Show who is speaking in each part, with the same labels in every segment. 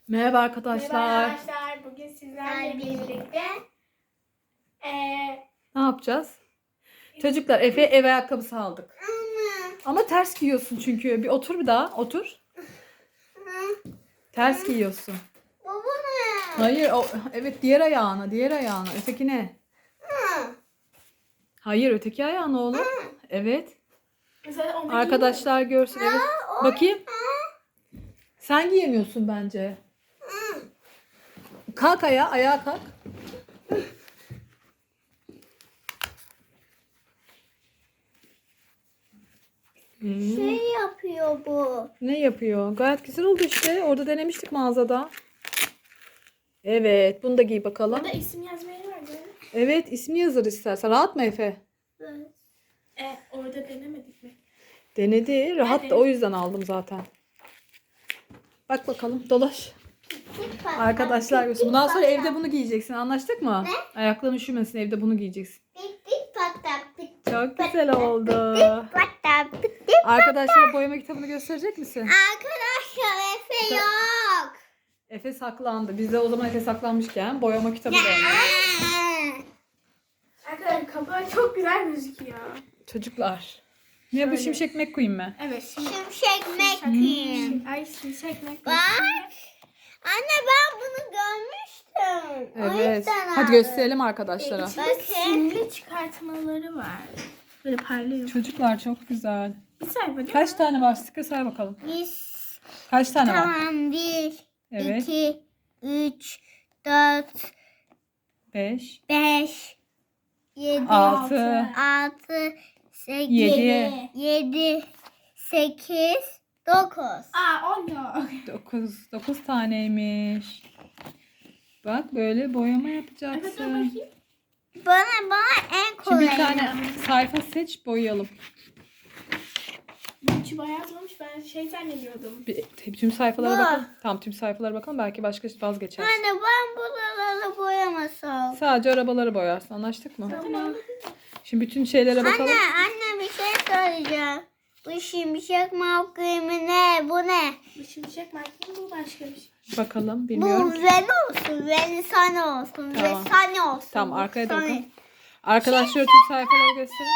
Speaker 1: Merhaba arkadaşlar.
Speaker 2: Merhaba arkadaşlar. Bugün sizlerle birlikte
Speaker 1: Ne yapacağız? Çocuklar Efe'ye ev ayakkabısı aldık. Ama ters giyiyorsun çünkü. Bir otur bir daha. Otur. Ters giyiyorsun.
Speaker 3: Bu ne?
Speaker 1: Hayır. Evet diğer ayağına. Diğer ayağına. Ötekine. Hayır öteki ayağına oğlum. Evet.
Speaker 2: mesela onu
Speaker 1: Arkadaşlar görsün. Evet. Bakayım. Sen giyemiyorsun bence. Kalk ayağa. Ayağa kalk.
Speaker 3: Şey yapıyor bu.
Speaker 1: Ne yapıyor? Gayet güzel oldu işte. Orada denemiştik mağazada. Evet. Bunu da giy bakalım.
Speaker 2: Burada isim yazmayı var değil mi?
Speaker 1: Evet. ismi yazır istersen. Rahat mı Efe?
Speaker 3: Evet.
Speaker 2: Orada denemedik mi?
Speaker 1: Denedi. Rahat da
Speaker 2: Evet.
Speaker 1: o yüzden aldım zaten. Bak bakalım. Dolaş. Arkadaşlar görsün. Bundan sonra evde bunu giyeceksin. Anlaştık mı?
Speaker 3: Ne?
Speaker 1: Ayakların üşümesin. Evde bunu giyeceksin.
Speaker 3: Dik dik patak dik.
Speaker 1: Çok güzel oldu.
Speaker 3: Patak dik.
Speaker 1: Arkadaşlara boyama kitabını gösterecek misin?
Speaker 3: Arkadaşlar Efe yok.
Speaker 1: Efe saklandı. Biz de o zaman Efe saklanmışken boyama kitabı da aldık.
Speaker 2: Arkadaşlar kapağı çok güzel gözüküyor.
Speaker 1: Çocuklar. Ne bu Şimşek McQueen mi?
Speaker 2: Evet şimdi.
Speaker 3: Şimşek McQueen.
Speaker 2: Ay şimşek mi?
Speaker 3: Bak. Anne ben bunu görmüştüm. O
Speaker 1: Evet.
Speaker 3: yüzden
Speaker 1: Hadi
Speaker 3: aldım.
Speaker 1: gösterelim arkadaşlara.
Speaker 2: İçinde simli çıkartmaları var. Böyle parlıyor.
Speaker 1: Çocuklar çok güzel.
Speaker 2: Bir sayfa değil
Speaker 1: Kaç
Speaker 2: mi?
Speaker 1: tane var? Sıkı say bakalım.
Speaker 3: Biz
Speaker 1: Kaç tane var?
Speaker 3: tamam 1,
Speaker 1: Evet.
Speaker 3: 2, 3, 4,
Speaker 1: 5,
Speaker 3: 5, 7,
Speaker 1: 6,
Speaker 3: 6, 8,
Speaker 1: 7,
Speaker 3: 7, 8, 9.
Speaker 2: Aa 10 yok.
Speaker 1: 9. 9 taneymiş. Bak böyle boyama
Speaker 2: Evet dur
Speaker 1: yapacaksın.
Speaker 2: bakayım.
Speaker 3: Bana en
Speaker 1: Şimdi
Speaker 3: kolay.
Speaker 1: bir tane sayfa seç boyayalım.
Speaker 2: Bu içi bayağı yazmamış. Ben şey zannediyordum.
Speaker 1: Tüm sayfalara
Speaker 3: Bu.
Speaker 1: bakalım. Tamam tüm sayfalara bakalım. Belki başka vazgeçer.
Speaker 3: Anne ben buraları boyamasam.
Speaker 1: Sadece arabaları boyarsın. Anlaştık mı?
Speaker 2: Tamam.
Speaker 1: Şimdi bütün şeylere bakalım.
Speaker 3: Anne bir şey söyleyeceğim. Bu şimşek mavkıyımı ne? Bu ne?
Speaker 2: Bu şimşek markası bu başka bir şey.
Speaker 1: Bakalım.
Speaker 3: Bu
Speaker 1: Bilmiyorum.
Speaker 3: ven olsun, ven sana olsun,
Speaker 1: Tamam.
Speaker 3: ve sana olsun.
Speaker 1: Tamam arkaya da
Speaker 3: Sana.
Speaker 1: bakalım. Arkadaşlar tüm sayfaları gösterin.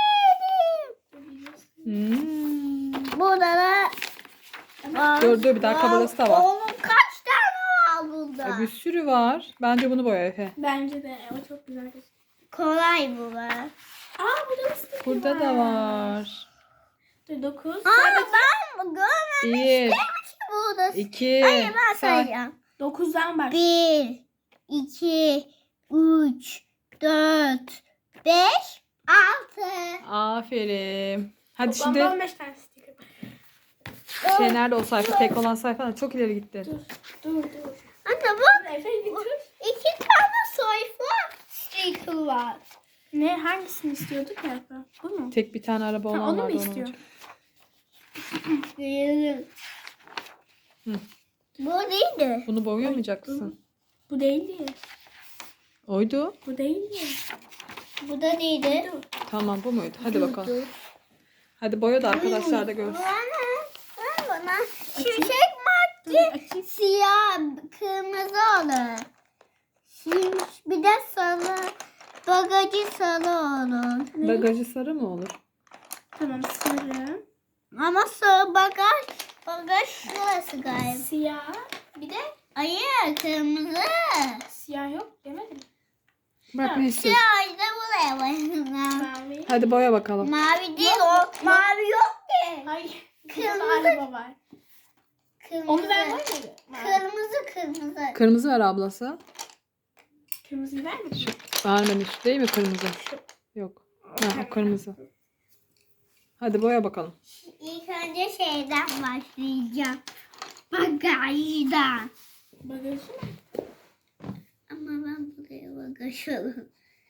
Speaker 3: Burada da
Speaker 1: Dur bir daha kabalası da var.
Speaker 3: Oğlum kaç tane var burada?
Speaker 1: Bir sürü var. Bence bunu boya Efe.
Speaker 2: Bence de o çok güzel gözüküyor.
Speaker 3: Kolay bu be.
Speaker 2: Aa burada da sticker
Speaker 1: Burada da var.
Speaker 2: Dur 9.
Speaker 3: Ben görmemiştim
Speaker 1: 1,
Speaker 3: ki burada.
Speaker 1: 2,
Speaker 3: Hayır ben sayacağım.
Speaker 2: 9'dan bak.
Speaker 3: 1, 2, 3, 4, 5, 6.
Speaker 1: Aferin. Hadi
Speaker 2: Toplamda
Speaker 1: şimdi
Speaker 2: 15 tane sticker.
Speaker 1: şey nerede o sayfa? Tek olan sayfa çok ileri gitti.
Speaker 2: Dur.
Speaker 3: Anne bak
Speaker 2: Efe bir dur.
Speaker 3: 2 tane sayfa sticker var.
Speaker 2: Ne hangisini istiyorduk ya? Bu mu?
Speaker 1: Tek bir tane araba olan
Speaker 2: Ha, onu mu
Speaker 1: vardı.
Speaker 2: istiyor?
Speaker 1: alacağım.
Speaker 3: Görelim.
Speaker 1: Hı.
Speaker 3: Bu neydi?
Speaker 1: Bunu boyamayacak mısın?
Speaker 2: Bu değildi.
Speaker 1: Oydu.
Speaker 2: Bu değildi.
Speaker 3: Bu da neydi?
Speaker 2: Dur.
Speaker 1: Tamam bu muydu? Hadi bakalım. Hadi boya da arkadaşlar da görsün.
Speaker 3: Bana şimşek maske siyah kırmızı olur. Bir de sarı bagajı sarı olur.
Speaker 1: Bagajı sarı mı olur?
Speaker 2: Tamam sarı.
Speaker 3: Ama sarı bagaj şurası galiba.
Speaker 2: Siyah. Bir de
Speaker 3: Hayır kırmızı.
Speaker 2: siyah yok demedim.
Speaker 1: Bak ne istiyorsun?
Speaker 3: Siyah da buraya koyalım.
Speaker 2: Mavi.
Speaker 1: Hadi boya bakalım.
Speaker 3: Mavi değil o. Mavi yok ki.
Speaker 2: Hayır.
Speaker 3: Kırmızı.
Speaker 2: Kırmızı araba var.
Speaker 3: Kırmızı.
Speaker 2: Onu vermedi mi?
Speaker 3: Kırmızı.
Speaker 1: Kırmızı ver ablası.
Speaker 2: Kırmızıyı vermedi mi?
Speaker 1: Vermemiş değil mi kırmızı? Yok. Ha, o kırmızı. Hadi boya bakalım.
Speaker 3: İlk önce şeyden başlayacağım. Bagajdan.
Speaker 2: Bagajı mı?
Speaker 3: Ama ben buraya bagaj alayım.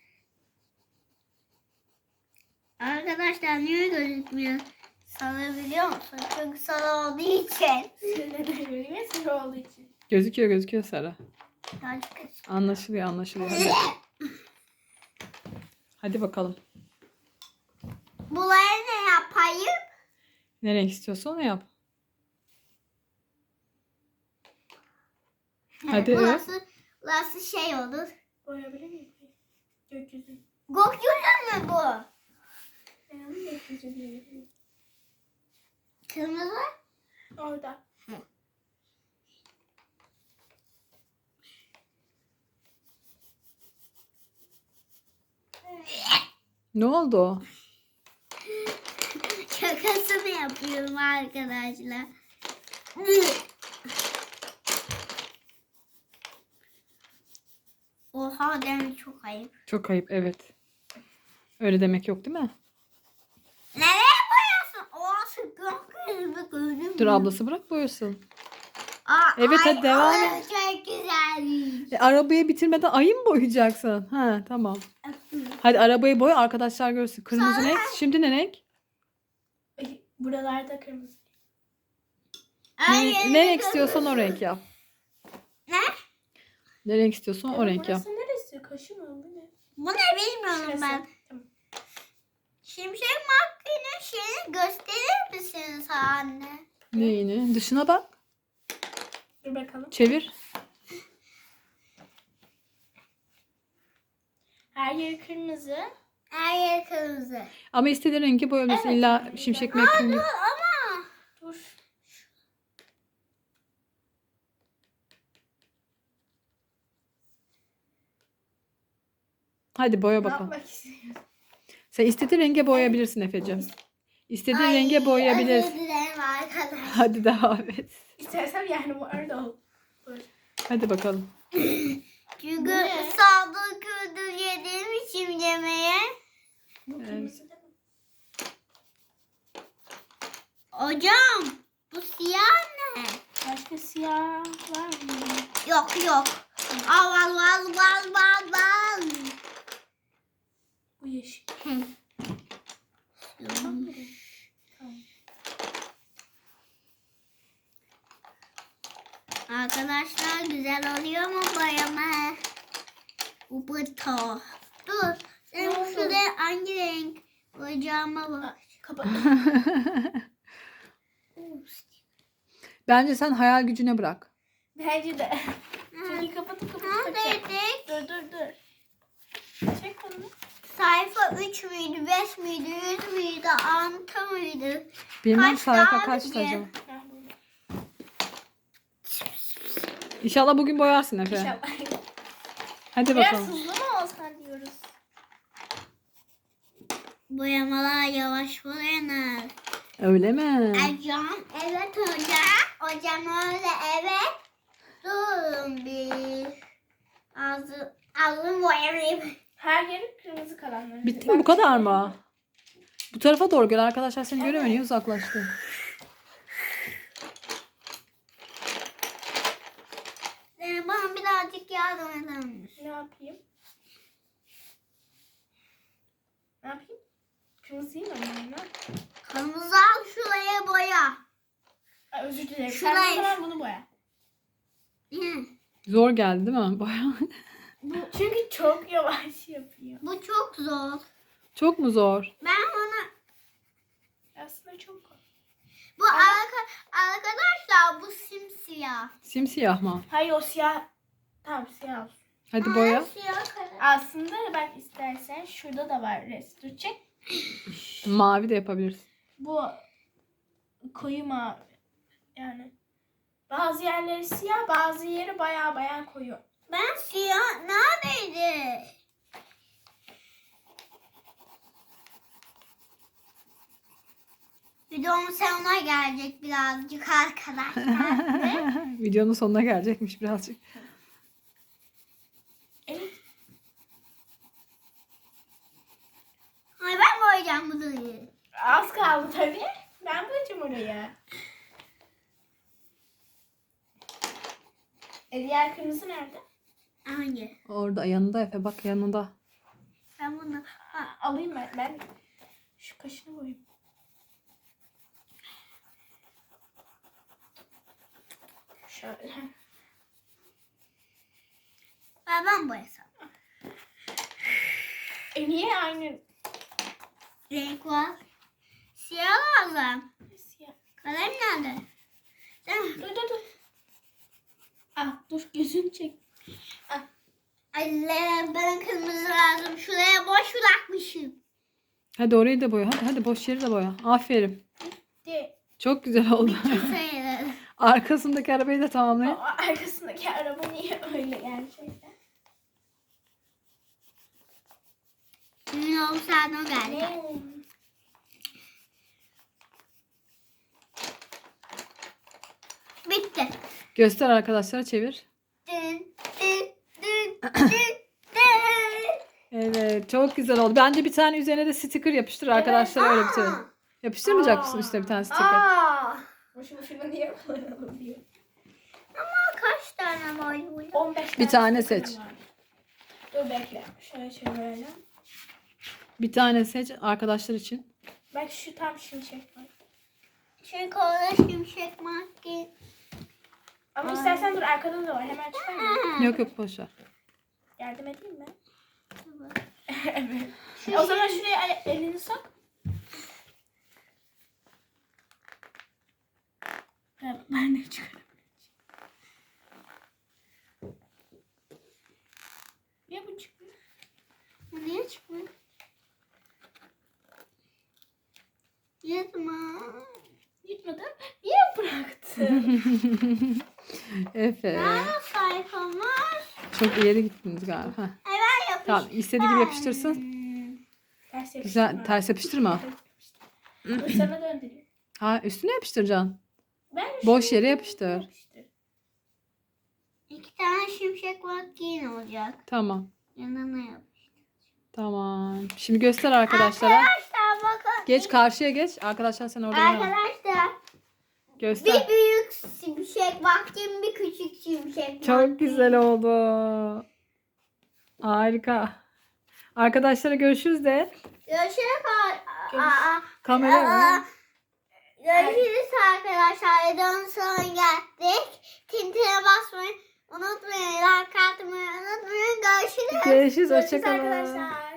Speaker 3: Arkadaşlar niye gözükmüyor? Sarı biliyor musun? Çünkü sarı olduğu için.
Speaker 2: Neden öyle? Sarı olduğu için.
Speaker 1: Gözüküyor sarı.
Speaker 3: Birazcık
Speaker 1: Anlaşılıyor. Hadi. Hadi bakalım.
Speaker 3: Bunları ne yapayım?
Speaker 1: Ne renk istiyorsan onu yap. Hadi.
Speaker 3: Burası şey olur.
Speaker 2: Boyayabilir miyim? Gökyüzü.
Speaker 3: Gökyüzü mü bu?
Speaker 2: Yani gökyüzü diyebilirim.
Speaker 3: Kırmızı.
Speaker 2: Orada.
Speaker 1: Ne oldu?
Speaker 3: Şakasını yapıyorum arkadaşlar. Oha demek çok ayıp.
Speaker 1: Çok ayıp, evet. Öyle demek yok değil mi?
Speaker 3: Nereye boyuyorsun? Orası gökyüzü gördün mü?
Speaker 1: Dur ablası bırak boyasın.
Speaker 3: Aa,
Speaker 1: Evet,
Speaker 3: ay,
Speaker 1: hadi devam et.
Speaker 3: orası çok güzelmiş.
Speaker 1: Arabayı bitirmeden ayı mı boyayacaksın? Ha, tamam. Hadi arabayı boya, arkadaşlar görsün. Kırmızı
Speaker 3: Sonra-
Speaker 1: renk. Şimdi ne renk?
Speaker 2: Ay, buralarda kırmızı.
Speaker 1: Ne renk istiyorsan o renk yap.
Speaker 3: Ne?
Speaker 1: Ne renk istiyorsan o renk yap.
Speaker 2: Burası neresi? Kaşı mı? Bu ne?
Speaker 3: Bu ne bilmiyorum
Speaker 2: Şurası.
Speaker 3: ben.
Speaker 2: Tamam.
Speaker 3: Şimşek McQueen'in şeyini gösterir misiniz anne?
Speaker 1: Neyini? Dışına bak.
Speaker 2: Dur bakalım.
Speaker 1: Çevir.
Speaker 2: Her yeri kırmızı.
Speaker 3: Her yer kırmızı.
Speaker 1: Ama istediğin rengi boyayabilirsin.
Speaker 2: Evet.
Speaker 1: İlla şimşek McQueen gibi.
Speaker 3: Ama
Speaker 2: Dur.
Speaker 1: Hadi boya
Speaker 2: Ne
Speaker 1: bakalım.
Speaker 2: yapmak istiyorsun?
Speaker 1: Sen istediğin renge boyayabilirsin Efe'cim. İstediğin
Speaker 3: Ay,
Speaker 1: renge
Speaker 3: özür
Speaker 1: boyayabilirsin.
Speaker 3: dilerim arkadaşlar.
Speaker 1: Hadi devam et.
Speaker 2: İstersem yani bu arada ol. Dur.
Speaker 1: Hadi bakalım.
Speaker 3: Çünkü
Speaker 2: Ne?
Speaker 3: saldır kürdür yediğim için yemeğe.
Speaker 2: Bu kırmızı değil mi?
Speaker 3: Hocam bu siyah ne?
Speaker 2: Başka siyah var mı?
Speaker 3: Yok. Al.
Speaker 2: Bu yeşil.
Speaker 3: Hı.
Speaker 2: Tamam.
Speaker 3: Arkadaşlar güzel oluyor mu boyama? Bu buto. Dur. Sen
Speaker 2: Ne oldu?
Speaker 3: şuraya hangi renk boyayacağıma bak.
Speaker 2: Kapat.
Speaker 1: Bence sen hayal gücüne bırak.
Speaker 2: Bence de. Çünkü kapatıp
Speaker 3: Neredeydik?
Speaker 2: Dur. Çek onu.
Speaker 3: Sayfa 3 müydü, 5 müydü, 100 müydü, 6 müydü?
Speaker 1: Bilmem
Speaker 3: Kaç
Speaker 1: sayfa
Speaker 3: daha
Speaker 1: kaçtı
Speaker 3: diye.
Speaker 1: acaba.
Speaker 2: Ha, bu.
Speaker 1: İnşallah bugün boyarsın Efe.
Speaker 2: İnşallah.
Speaker 1: Hadi
Speaker 2: Biraz
Speaker 1: bakalım.
Speaker 2: hızlı mı olsan diyoruz.
Speaker 3: Boyamalar yavaş boyanır.
Speaker 1: Öyle mi?
Speaker 3: Hocam, evet hocam. Hocam öyle evet. Durun bir. Ağzım boyamayayım.
Speaker 2: Her yeri kırmızı kalanlar.
Speaker 1: Bitti mi? Bu kadar mı? Bu tarafa doğru gel. Arkadaşlar seni göremiyor. Niye uzaklaştı?
Speaker 3: Bana birazcık yardım eder misin?
Speaker 2: Ne yapayım? Ne yapayım? Kırmızıyı mı alayım ben?
Speaker 3: Kırmızı al şuraya boya.
Speaker 2: Ay, özür dilerim.
Speaker 3: Şurayı-
Speaker 2: Sen o zaman bunu boya.
Speaker 3: Hı.
Speaker 1: Zor geldi değil mi? Baya.
Speaker 2: Çünkü çok yavaş yapıyor.
Speaker 3: Bu çok zor.
Speaker 1: Çok mu zor?
Speaker 3: Ben onu...
Speaker 2: Aslında çok kolay.
Speaker 3: Bu arkadaşlar bu simsiyah.
Speaker 1: Simsiyah mı?
Speaker 2: Hayır o siyah. Tamam siyah olsun.
Speaker 1: Hadi boya.
Speaker 3: Siyah kalem.
Speaker 2: Aslında bak istersen şurada da var rest. Çek.
Speaker 1: Mavi de yapabilirsin.
Speaker 2: Bu koyu mavi. Yani bazı yerleri siyah, bazı yeri baya koyu.
Speaker 3: Ben siyah neredeydi? Videomun sonuna gelecek birazcık arkadaşlar.
Speaker 1: Videonun sonuna gelecekmiş birazcık.
Speaker 2: Evet.
Speaker 3: Ay ben boyayacağım bunu.
Speaker 2: Az kaldı tabii. Ben boyayacağım oraya. Diğer kırmızı nerede?
Speaker 3: Hangi?
Speaker 1: Orada yanında Efe, bak yanında.
Speaker 3: Ben bunu...
Speaker 2: Ha, alayım ben. Ben şu kaşını boyayayım. Şöyle.
Speaker 3: Ben boyasam.
Speaker 2: Niye aynı
Speaker 3: Renk var. Siyah lazım.
Speaker 2: siyah?
Speaker 3: Kalem nerede? Sen...
Speaker 2: Dur. Ah dur gözünü çek.
Speaker 3: Anne bana kırmızı lazım. Şuraya boş bırakmışım.
Speaker 1: Hadi orayı da boya. Hadi boş yeri de boya. Aferin.
Speaker 2: De.
Speaker 1: Çok güzel oldu.
Speaker 3: Sayılır.
Speaker 1: Arkasındaki arabayı da tamamlayın.
Speaker 2: O arkasındaki araba niye öyle gerçekten?
Speaker 3: Ünlü olsan o geldi.
Speaker 2: Ne?
Speaker 3: Bitti.
Speaker 1: Göster arkadaşlara, çevir.
Speaker 3: Dün, dün, dün, dün, dün.
Speaker 1: Evet, çok güzel oldu. Bence bir tane üzerine de sticker yapıştır arkadaşlar, öyle bitirelim. Yapıştırmayacak mısın üstüne bir tane sticker?
Speaker 3: Aa,
Speaker 2: Boşu boşuna niye kullanalım diye.
Speaker 3: ama kaç tane var burada?
Speaker 2: 15
Speaker 1: Bir tane
Speaker 2: sticker
Speaker 1: seç.
Speaker 2: var. Dur bekle. Şöyle çevirelim.
Speaker 1: Bir tane seç arkadaşlar için.
Speaker 2: Bak şu tam şimşek var.
Speaker 3: Çünkü orada şimşek maske.
Speaker 2: Ama istersen dur arkada da var. Hemen çıkarma.
Speaker 1: Yok yok, boş ver.
Speaker 2: Yardım edeyim mi? Evet. O zaman şuraya elini sok. Ben de çıkarım. Niye bu çıkmıyor?
Speaker 3: Bu niye çıkmıyor? Yatma.
Speaker 2: Gitmedi. Niye bıraktın?
Speaker 1: Efe.
Speaker 3: Aa, sayfam var.
Speaker 1: Çok ileri gittiniz galiba. Heh.
Speaker 3: Hemen yapıştır.
Speaker 1: Tamam, istediği gibi yapıştırsın.
Speaker 2: Ters yapıştırma.
Speaker 1: Güzel, ters yapıştırma.
Speaker 2: Dur sana döndüreyim.
Speaker 1: Ha, üstüne yapıştıracaksın.
Speaker 2: Ben
Speaker 1: Boş
Speaker 2: şunu
Speaker 1: yere yapıştır.
Speaker 3: 2 tane şimşek maske olacak.
Speaker 1: Tamam.
Speaker 3: Yanına yap.
Speaker 1: Tamam. Şimdi göster arkadaşlara.
Speaker 3: Arkadaşlar bakın.
Speaker 1: Geç, karşıya geç. Arkadaşlar sen orada oynama.
Speaker 3: Arkadaşlar
Speaker 1: Göster.
Speaker 3: bir büyük şimşek vaktim, bir küçük şimşek
Speaker 1: Çok güzel oldu. Harika. Arkadaşlara görüşürüz de.
Speaker 3: Görüşürüz.
Speaker 1: Kamera.
Speaker 3: Görüşürüz arkadaşlar. Videonun sonuna geldik. Tintine basmayı unutmayın. Like atmayı unutmayın. Görüşürüz.
Speaker 1: Görüşürüz.
Speaker 2: Görüşürüz
Speaker 1: Hoşçakalın.
Speaker 2: arkadaşlar.